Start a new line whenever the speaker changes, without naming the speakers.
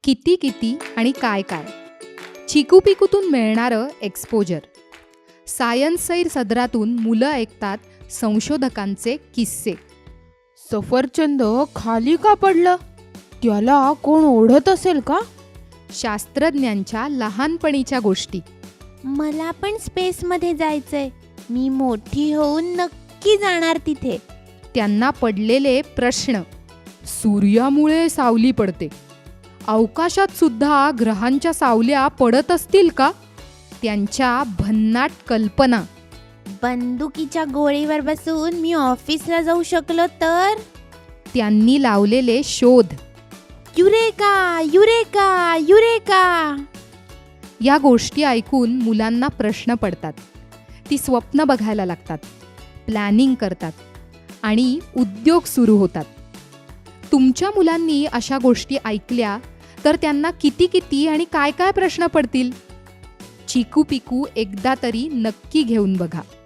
किती किती आणि काय काय, चिकू पिकूतून मिळणारं एक्सपोजर. सायन्स सैर सदरातून मुलं ऐकतात संशोधकांचे किस्से.
सफरचंद खाली का पडलं? त्याला कोण ओढत असेल का?
शास्त्रज्ञांच्या लहानपणीच्या गोष्टी.
मला पण स्पेसमध्ये जायचंय. मी मोठी होऊन नक्की जाणार तिथे.
त्यांना पडलेले प्रश्न. सूर्यामुळे सावली पडते, अवकाशात सुद्धा ग्रहांच्या सावल्या पडत असतील का? त्यांच्या भन्नाट कल्पना.
बंदुकीच्या गोळीवर बसून मी ऑफिसला जाऊ शकलो तर?
त्यांनी लावलेले शोध.
Eureka eureka eureka.
या गोष्टी ऐकून मुलांना प्रश्न पडतात. ती स्वप्न बघायला लागतात, प्लॅनिंग करतात आणि उद्योग सुरू होतात. तुमच्या मुलांनी अशा गोष्टी ऐकल्या तर त्यांना किती किती आणि काय काय प्रश्न पडतील? चिकू पिकू एकदा तरी नक्की घेऊन बघा.